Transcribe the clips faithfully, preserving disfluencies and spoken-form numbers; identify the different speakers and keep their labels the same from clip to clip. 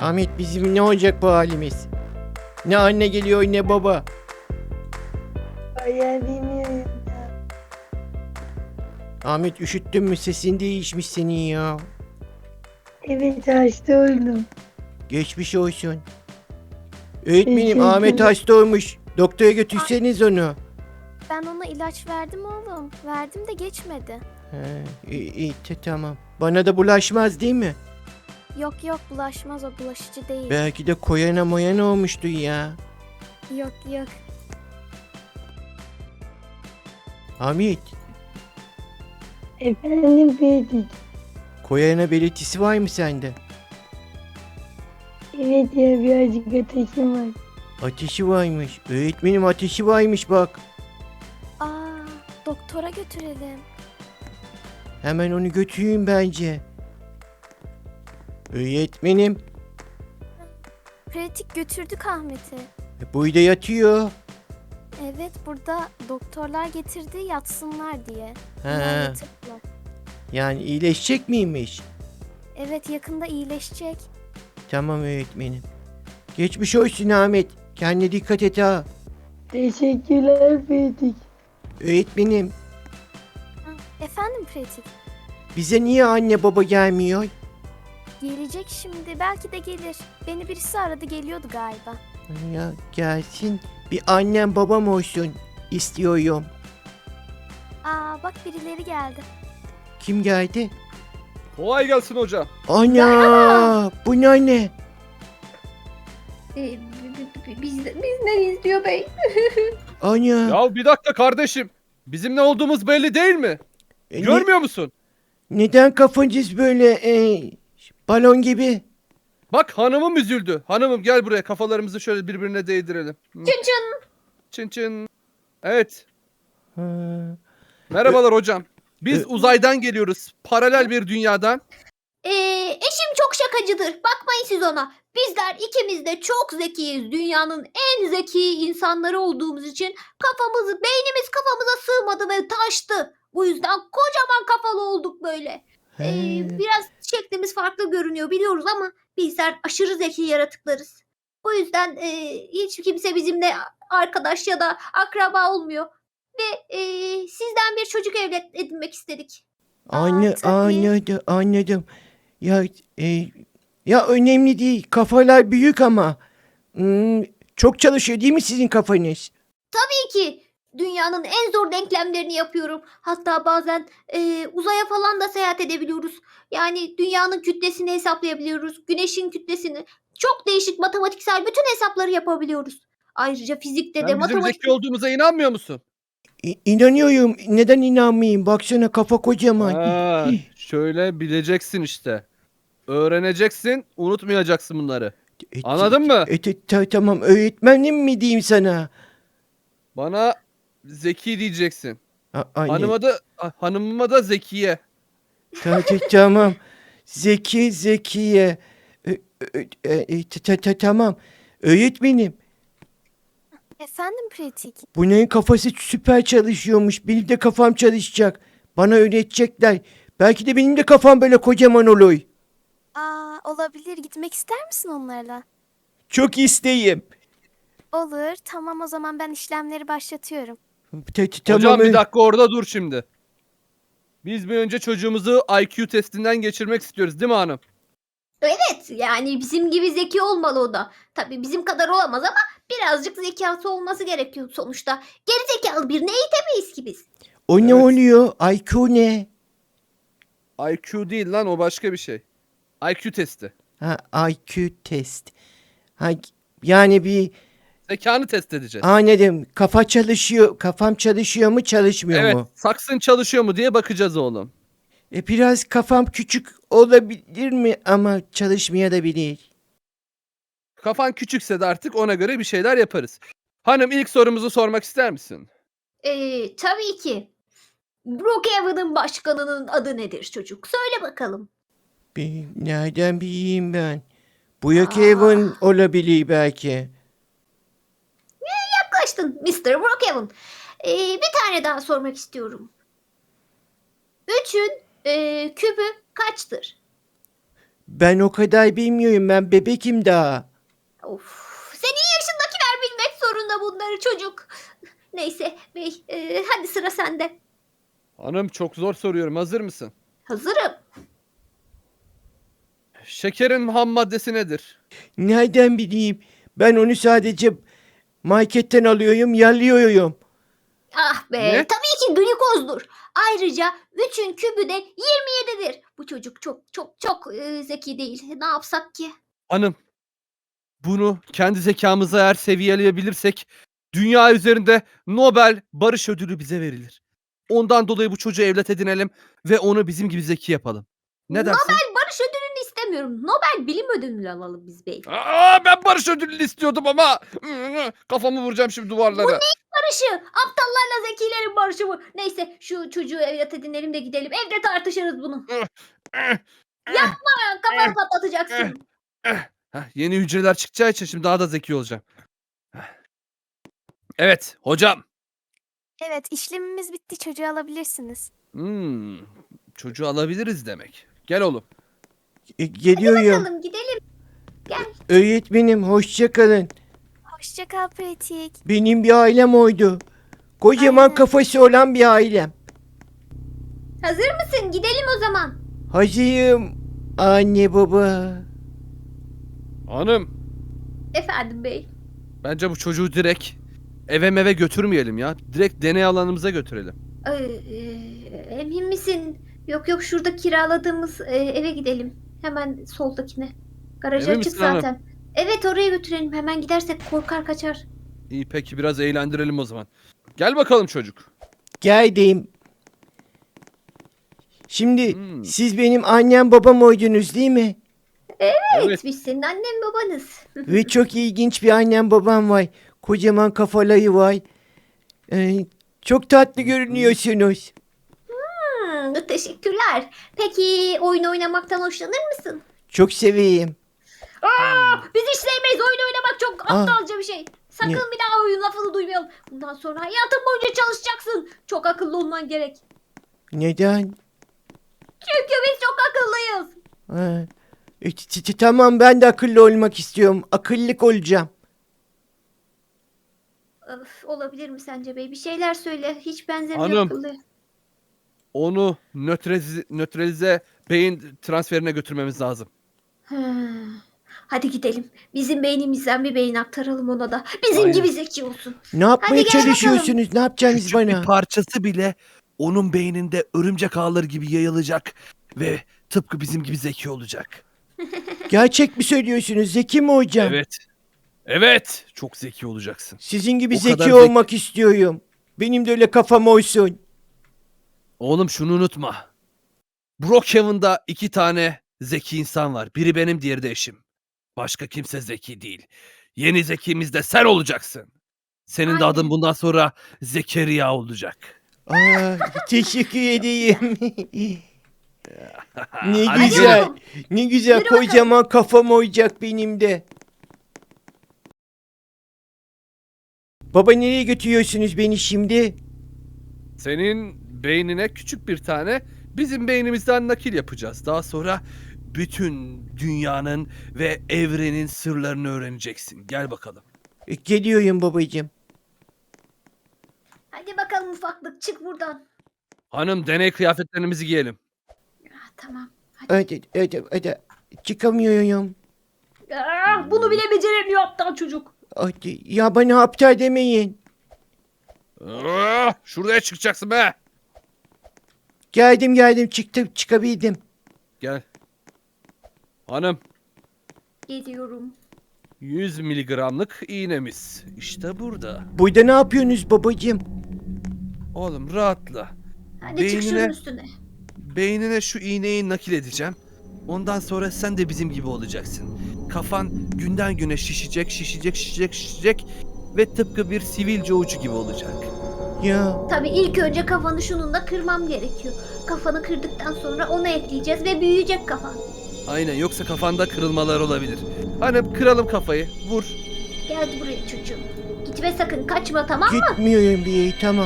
Speaker 1: Ahmet bizim ne olacak bu halimiz? Ne anne geliyor ne baba.
Speaker 2: Ay ya bilmiyorum ya.
Speaker 1: Ahmet üşüttün mü? Sesin değişmiş senin ya.
Speaker 2: Evet hasta oldum.
Speaker 1: Geçmiş olsun. Öğretmenim
Speaker 2: Teşekkürler.
Speaker 1: Ahmet hasta olmuş. Doktora götürseniz onu.
Speaker 3: Ben ona ilaç verdim oğlum. Verdim de geçmedi.
Speaker 1: He, iyi, iyi, te- tamam. Bana da bulaşmaz değil mi?
Speaker 3: Yok yok bulaşmaz, o bulaşıcı değil.
Speaker 1: Belki de koyana moyana olmuştu ya.
Speaker 3: Yok yok.
Speaker 1: Ahmet,
Speaker 2: Efendim Fedik.
Speaker 1: koyana belirtisi var mı sende?
Speaker 2: Evet ya birazcık ateşim var.
Speaker 1: Ateşi varmış. Öğretmenim ateşi varmış bak.
Speaker 3: Aa, doktora götürelim.
Speaker 1: Hemen onu götüreyim bence. Öğretmenim,
Speaker 3: Pratik götürdük Ahmet'i.
Speaker 1: e, burada yatıyor.
Speaker 3: Evet, burada doktorlar getirdi yatsınlar diye. Bunlar
Speaker 1: He,
Speaker 3: yatırdılar.
Speaker 1: yani iyileşecek miymiş?
Speaker 3: Evet, yakında iyileşecek.
Speaker 1: Tamam öğretmenim. Geçmiş olsun Ahmet. Kendine dikkat et ha.
Speaker 2: Teşekkürler Fedik.
Speaker 1: Öğretmenim,
Speaker 3: Ha, efendim Pratik?
Speaker 1: bize niye anne baba gelmiyor?
Speaker 3: Gelecek şimdi, belki de gelir. Beni birisi aradı, geliyordu galiba.
Speaker 1: Ya gelsin. Bir annem babam olsun istiyorum.
Speaker 3: Aa, bak birileri geldi.
Speaker 1: Kim geldi?
Speaker 4: Kolay gelsin hocam.
Speaker 1: Ana! Bu ne anne?
Speaker 5: Ee, bi- bi- bi- Biz, biz neyiz diyor bey?
Speaker 1: Ana!
Speaker 4: Ya bir dakika kardeşim. Bizim ne olduğumuz belli değil mi?
Speaker 1: E, ne-
Speaker 4: Görmüyor musun?
Speaker 1: neden kafanız böyle e, balon gibi?
Speaker 4: Bak hanımım üzüldü. Hanımım gel buraya kafalarımızı şöyle birbirine değdirelim. Hı.
Speaker 5: Çın çın.
Speaker 4: Çın çın. Evet.
Speaker 1: Ha,
Speaker 4: Merhabalar hocam. Biz
Speaker 1: Ö-
Speaker 4: uzaydan geliyoruz. Paralel bir dünyadan.
Speaker 5: Ee, eşim çok şakacıdır. Bakmayın siz ona. Bizler ikimiz de çok zekiyiz. Dünyanın en zeki insanları olduğumuz için kafamız, beynimiz kafamıza sığmadı ve taştı. Bu yüzden kocaman kafalı olduk böyle. Ee,
Speaker 1: he.
Speaker 5: biraz şeklimiz farklı görünüyor biliyoruz ama bizler aşırı zeki yaratıklarız. Bu yüzden e, hiç kimse bizimle arkadaş ya da akraba olmuyor. Ve e, sizden bir çocuk evlat edinmek istedik.
Speaker 1: Anne,
Speaker 3: tabii.
Speaker 1: anladım, anladım. Ya e, ya önemli değil. Kafalar büyük ama hmm, çok çalışıyor değil mi sizin kafanız?
Speaker 5: Tabii ki dünyanın en zor denklemlerini yapıyorum. Hatta bazen e, uzaya falan da seyahat edebiliyoruz. Yani dünyanın kütlesini hesaplayabiliyoruz. Güneşin kütlesini. Çok değişik matematiksel bütün hesapları yapabiliyoruz. Ayrıca fizikte de
Speaker 4: Sen bizim
Speaker 5: matematik...
Speaker 4: zeki olduğumuza inanmıyor musun?
Speaker 1: İ- İnanıyorum. Neden inanmayayım? Baksana kafa kocaman.
Speaker 4: Ha, şöyle bileceksin işte. Öğreneceksin, unutmayacaksın bunları.
Speaker 1: E,
Speaker 4: Anladın mı?
Speaker 1: E, te- ta- tamam öğretmenim mi diyeyim sana?
Speaker 4: Bana zeki diyeceksin.
Speaker 1: A- anne.
Speaker 4: Hanıma da hanımıma da zekiye.
Speaker 1: Ta- ta- tamam. Zeki Zekiye. E, e, e, e, ta- ta- ta- tamam. Öğretmenim.
Speaker 3: Efendim Pratik?
Speaker 1: Bunların kafası süper çalışıyormuş. Benim de kafam çalışacak. Bana öğretecekler. Belki de benim de kafam böyle kocaman olur.
Speaker 3: Aa, olabilir. Gitmek ister misin onlarla?
Speaker 1: Çok isteyim.
Speaker 3: Olur. Tamam, o zaman ben işlemleri başlatıyorum.
Speaker 1: Ta- ta- tamam.
Speaker 4: Hocam bir
Speaker 1: ö-
Speaker 4: dakika orada dur şimdi. Biz bir önce çocuğumuzu I Q testinden geçirmek istiyoruz değil mi hanım?
Speaker 5: Evet yani bizim gibi zeki olmalı o da. Tabii bizim kadar olamaz ama birazcık zekası olması gerekiyor sonuçta. Geri zekalı birini eğitemeyiz ki biz.
Speaker 1: O ne
Speaker 4: Evet.
Speaker 1: oluyor? I Q ne?
Speaker 4: I Q değil lan o başka bir şey. I Q testi.
Speaker 1: Ha, I Q test. Ha, yani bir
Speaker 4: Zekanı test edeceğiz.
Speaker 1: anladım. Kafa çalışıyor. Kafam çalışıyor mu çalışmıyor
Speaker 4: Evet,
Speaker 1: mu?
Speaker 4: saksın çalışıyor mu diye bakacağız oğlum.
Speaker 1: E biraz kafam küçük olabilir mi ama çalışmayabilir.
Speaker 4: Kafan küçükse de artık ona göre bir şeyler yaparız. Hanım ilk sorumuzu sormak ister misin?
Speaker 5: Ee, tabii ki. Brookhaven'ın başkanının adı nedir çocuk? Söyle bakalım.
Speaker 1: Bir, nereden bileyim ben? Brookhaven olabilir belki.
Speaker 5: Yaklaştın mister Brookhaven. Ee, bir tane daha sormak istiyorum. Üçün e, kübü kaçtır?
Speaker 1: Ben o kadar bilmiyorum. Ben bebekim daha.
Speaker 5: Of, senin yaşındakiler bilmek zorunda bunları çocuk. Neyse bey, e, hadi sıra sende.
Speaker 4: Hanım çok zor soruyorum. Hazır mısın?
Speaker 5: Hazırım.
Speaker 4: Şekerin ham maddesi nedir?
Speaker 1: Nereden bileyim? Ben onu sadece marketten alıyorum, yalıyorum.
Speaker 5: Ah be,
Speaker 4: Ne?
Speaker 5: tabii ki glikozdur. Ayrıca üçün kübü de yirmi yedidir. Bu çocuk çok çok çok e, zeki değil. Ne yapsak ki?
Speaker 4: Hanım, bunu kendi zekamıza eğer seviyeleyebilirsek dünya üzerinde Nobel Barış Ödülü bize verilir. Ondan dolayı bu çocuğu evlat edinelim ve onu bizim gibi zeki yapalım. Ne dersin?
Speaker 5: Nobel Barış Ödülünü istemiyorum. Nobel Bilim Ödülünü alalım biz bey.
Speaker 4: Aa, ben Barış Ödülünü istiyordum ama kafamı vuracağım şimdi duvarlara.
Speaker 5: Barışı, aptallarla zekilerin barışı bu. Neyse şu çocuğu evlat edinelim de gidelim. Evde tartışırız bunu. Ha, kafanı patlatacaksın.
Speaker 4: Heh, yeni hücreler çıkacağı için şimdi daha da zeki olacağım. Evet hocam.
Speaker 3: Evet, işlemimiz bitti. Çocuğu alabilirsiniz.
Speaker 4: Hmm, çocuğu alabiliriz demek. Gel oğlum.
Speaker 1: E, geliyorum.
Speaker 5: Bakalım gidelim.
Speaker 1: Öğretmenim hoşça kalın.
Speaker 3: Hoşça kal Pratik.
Speaker 1: Benim bir ailem oydu. Kocaman
Speaker 3: Aynen.
Speaker 1: kafası olan bir ailem.
Speaker 5: Hazır mısın? Gidelim o zaman.
Speaker 1: Hazırım. Anne baba.
Speaker 4: Hanım,
Speaker 5: Efendim bey.
Speaker 4: bence bu çocuğu direkt eve meve götürmeyelim ya. Direkt deney alanımıza götürelim.
Speaker 5: Ee, e, emin misin? Yok yok şurada kiraladığımız e, eve gidelim. Hemen soldakine. Garaj
Speaker 4: Emin
Speaker 5: açık
Speaker 4: misin hanım?
Speaker 5: zaten. Evet oraya götürelim. Hemen gidersek korkar kaçar.
Speaker 4: İyi peki biraz eğlendirelim o zaman. Gel bakalım çocuk.
Speaker 1: Geldim. Şimdi
Speaker 4: Hmm.
Speaker 1: siz benim annem babam oydunuz değil mi?
Speaker 5: Evet,
Speaker 4: Evet.
Speaker 5: biz senin annen babanız.
Speaker 1: Ve çok ilginç bir annem babam var. Kocaman kafaları var. Ee, çok tatlı görünüyorsunuz.
Speaker 5: Hmm, teşekkürler. Peki oyun oynamaktan hoşlanır mısın?
Speaker 1: Çok seveyim.
Speaker 5: Aa, biz hiç sevmeyiz. Oyun oynamak çok
Speaker 1: Aa.
Speaker 5: aptalca bir şey. Sakın
Speaker 1: Ne?
Speaker 5: bir daha oyun lafını duymayalım. Bundan sonra hayatın boyunca çalışacaksın. Çok akıllı olman gerek.
Speaker 1: Neden?
Speaker 5: Çünkü biz çok akıllıyız.
Speaker 1: Ha. E, t- t- Tamam ben de akıllı olmak istiyorum. Akıllık olacağım.
Speaker 5: Öf, olabilir mi sence bey? Bir şeyler söyle. Hiç benzemiyor
Speaker 4: Hanım.
Speaker 5: akıllı.
Speaker 4: Onu nötralize, nötralize beyin transferine götürmemiz lazım.
Speaker 5: Hmm. Hadi gidelim. Bizim beynimizden bir beyin aktaralım ona da. Bizim
Speaker 4: Aynen.
Speaker 5: gibi zeki olsun.
Speaker 1: Ne yapmaya
Speaker 5: Hadi gel
Speaker 1: çalışıyorsunuz? Ne yapacaksınız
Speaker 4: Küçük
Speaker 1: bana?
Speaker 4: bir parçası bile onun beyninde örümcek ağları gibi yayılacak ve tıpkı bizim gibi zeki olacak.
Speaker 1: Gerçek mi söylüyorsunuz? Zeki mi hocam?
Speaker 4: Evet. Evet. Çok zeki olacaksın.
Speaker 1: Sizin gibi
Speaker 4: O
Speaker 1: zeki
Speaker 4: kadar zeki-
Speaker 1: olmak istiyorum. Benim de öyle kafam olsun.
Speaker 4: Oğlum şunu unutma. Brookhaven'da iki tane zeki insan var. Biri benim, diğeri de eşim. Başka kimse zeki değil. Yeni zekimiz de sen olacaksın. Senin de
Speaker 5: Aynen.
Speaker 4: adın bundan sonra Zekeriya olacak.
Speaker 1: Aa, teşekkür edeyim. ne
Speaker 4: Hadi
Speaker 1: güzel.
Speaker 5: bakalım.
Speaker 1: Ne güzel.
Speaker 5: Yürü bakalım.
Speaker 1: Kocaman kafam olacak benim de. Baba nereye götürüyorsunuz beni şimdi?
Speaker 4: Senin beynine küçük bir tane bizim beynimizden nakil yapacağız. Daha sonra bütün dünyanın ve evrenin sırlarını öğreneceksin. Gel bakalım.
Speaker 1: E, Geliyorum babacığım.
Speaker 5: Hadi bakalım ufaklık çık buradan.
Speaker 4: Hanım deney kıyafetlerimizi giyelim.
Speaker 5: Ah, tamam. Hadi.
Speaker 1: Hadi, hadi, hadi. Çıkamıyorum.
Speaker 5: Ah, bunu bile beceremiyor aptal çocuk.
Speaker 1: Hadi. Ya bana aptal demeyin.
Speaker 4: Ah, şuraya çıkacaksın be.
Speaker 1: Geldim geldim çıktım çıkabildim.
Speaker 4: Gel. Hanım
Speaker 5: Geliyorum.
Speaker 4: yüz miligramlık iğnemiz. İşte burada.
Speaker 1: Burada ne yapıyorsunuz babacığım?
Speaker 4: Oğlum rahatla.
Speaker 5: Hadi çık şunun
Speaker 4: Beynine-
Speaker 5: üstüne.
Speaker 4: Beynine şu iğneyi nakil edeceğim. Ondan sonra sen de bizim gibi olacaksın. Kafan günden güne şişecek, şişecek, şişecek, şişecek ve tıpkı bir sivilce ucu gibi olacak.
Speaker 1: Ya
Speaker 5: Tabii ilk önce kafanı şununla kırmam gerekiyor. Kafanı kırdıktan sonra onu ekleyeceğiz ve büyüyecek kafan.
Speaker 4: Aynen, yoksa kafanda kırılmalar olabilir. Hani kıralım kafayı, vur.
Speaker 5: Gel buraya çocuğum. Gitme sakın kaçma tamam mı?
Speaker 1: gitmiyorum bir yere tamam.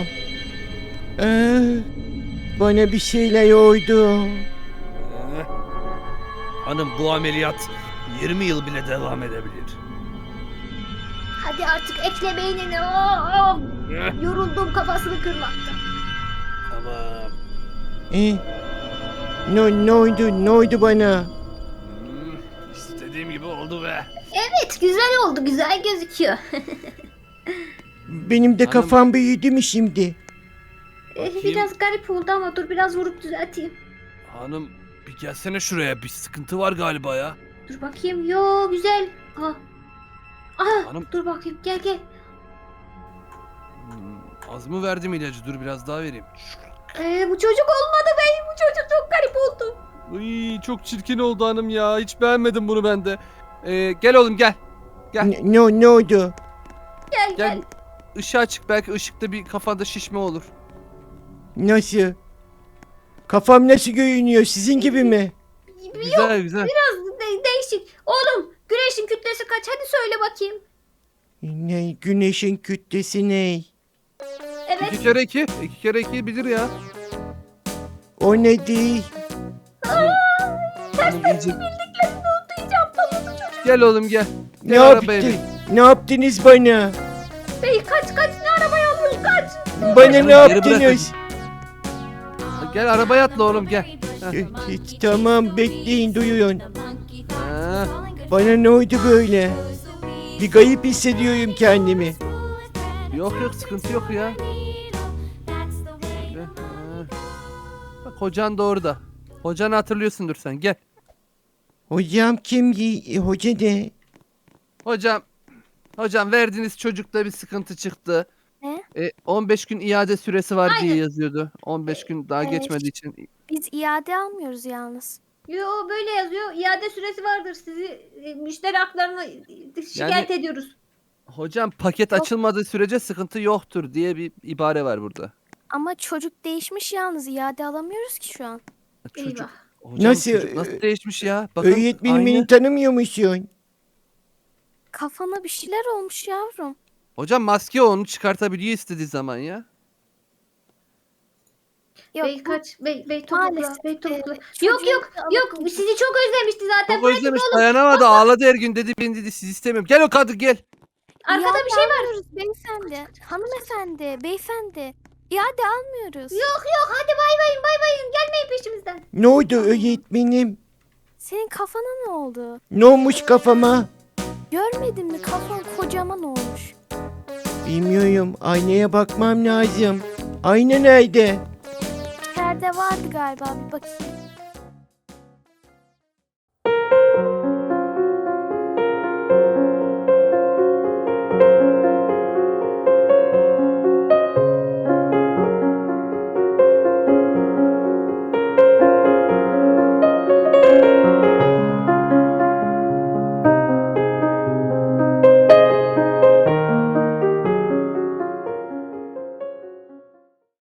Speaker 1: Ee, bana bir şeyler oldu.
Speaker 4: Eh. Hanım bu ameliyat yirmi yıl bile devam edebilir.
Speaker 5: Hadi artık ekle beynini. Oo, yoruldum kafasını kırmaktan.
Speaker 4: Tamam.
Speaker 1: E, ne, ne oldu? Ne oldu bana?
Speaker 4: Hmm, istediğim gibi oldu be.
Speaker 5: Evet güzel oldu, güzel gözüküyor.
Speaker 1: Benim de
Speaker 4: Hanım-
Speaker 1: kafam büyüdü mü şimdi?
Speaker 5: Eh,
Speaker 4: Bakayım.
Speaker 5: biraz garip oldu ama dur biraz vurup düzelteyim.
Speaker 4: Hanım bir gelsene şuraya, bir sıkıntı var galiba ya.
Speaker 5: Dur bakayım. Yo güzel. Aha. Aha
Speaker 4: Hanım-
Speaker 5: dur bakayım gel gel.
Speaker 4: Hmm, az mı verdim ilacı? Dur biraz daha vereyim.
Speaker 5: Ee, bu çocuk olmadı bey. Bu çocuk çok garip oldu.
Speaker 4: Uy, çok çirkin oldu hanım ya. Hiç beğenmedim bunu ben de. Ee, gel oğlum gel. Gel.
Speaker 1: Ne, ne, ne oldu?
Speaker 5: Gel gel.
Speaker 4: Gel. Işığı açık, belki ışıkta bir kafanda şişme olur.
Speaker 1: Nasıl? Kafam nasıl görünüyor? Sizin gibi mi?
Speaker 4: Güzel güzel.
Speaker 5: Biraz de- değişik. Oğlum güneşin kütlesi kaç? Hadi söyle bakayım.
Speaker 1: Ne, güneşin kütlesi ne?
Speaker 5: Evet.
Speaker 4: İki kere iki. iki kere iki bilir ya.
Speaker 1: O ne değil?
Speaker 4: Hanım, hanım iyice-
Speaker 5: Duyacağım tamam çocuk.
Speaker 4: Gel oğlum gel.
Speaker 1: Ne
Speaker 4: Gel arabaya
Speaker 1: yaptın?
Speaker 4: bin.
Speaker 1: Ne yaptınız bana?
Speaker 5: Bey kaç kaç ne arabaya almış kaç.
Speaker 1: Bana ne
Speaker 4: Geri bırak
Speaker 1: yaptınız?
Speaker 4: Gel arabaya atla oğlum gel.
Speaker 1: E, e, Tamam bekleyin duyuyorsun.
Speaker 4: Ha,
Speaker 1: Bana ne oldu böyle? Bir garip hissediyorum kendimi.
Speaker 4: yok yok sıkıntı yok ya. Gel, ha. Bak hocan da orada. Hocanı hatırlıyorsundur sen, gel.
Speaker 1: Hocam kim? E, hoca ne?
Speaker 4: Hocam, hocam verdiğiniz çocukta bir sıkıntı çıktı.
Speaker 3: Ne?
Speaker 4: E, on beş gün iade süresi var diye
Speaker 5: Aynen.
Speaker 4: yazıyordu. on beş gün daha
Speaker 3: Evet.
Speaker 4: geçmediği için.
Speaker 3: Biz iade almıyoruz yalnız.
Speaker 5: Yo böyle yazıyor. İade süresi vardır. Sizi e, müşteri haklarına e, şikayet ediyoruz.
Speaker 4: Hocam paket
Speaker 3: Yok.
Speaker 4: açılmadığı sürece sıkıntı yoktur diye bir ibare var burada.
Speaker 3: Ama çocuk değişmiş yalnız. İade alamıyoruz ki şu an.
Speaker 4: Çocuk,
Speaker 5: Eyvah.
Speaker 4: hocam
Speaker 1: Nasıl,
Speaker 4: çocuk nasıl
Speaker 1: e,
Speaker 4: değişmiş ya? Bakın
Speaker 1: Öğretmenim
Speaker 4: aynı.
Speaker 1: beni tanımıyor musun?
Speaker 3: Kafana bir şeyler olmuş yavrum.
Speaker 4: Hocam maske onu çıkartabiliyor istediği zaman ya.
Speaker 3: Yok,
Speaker 5: Bey
Speaker 3: bu
Speaker 5: kaç. Bey, bey topukla.
Speaker 3: maalesef,
Speaker 5: Bey topukla.
Speaker 3: e,
Speaker 5: yok
Speaker 3: çocuğun
Speaker 5: yok
Speaker 3: da
Speaker 5: yok.
Speaker 3: alıp-
Speaker 5: Sizi çok özlemişti zaten.
Speaker 4: Çok
Speaker 5: Pratik
Speaker 4: özlemiş,
Speaker 5: oğlum.
Speaker 4: dayanamadı, ağladı her gün, dedi ben dedi sizi istemiyorum. Gel o kadın gel.
Speaker 5: Arkada
Speaker 3: İade
Speaker 5: bir şey var.
Speaker 3: almıyoruz beyefendi. Hanımefendi, beyefendi. İade almıyoruz.
Speaker 5: Yok yok hadi bay bayın bay bayın. Gelmeyin peşimizden.
Speaker 1: Ne oldu öğretmenim?
Speaker 3: Senin kafana ne oldu?
Speaker 1: Ne olmuş kafama?
Speaker 3: Görmedin mi? Kafan kocaman olmuş.
Speaker 1: Bilmiyorum. Aynaya bakmam lazım. Ayna nerede?
Speaker 3: İçeride vardı galiba, bir bakayım.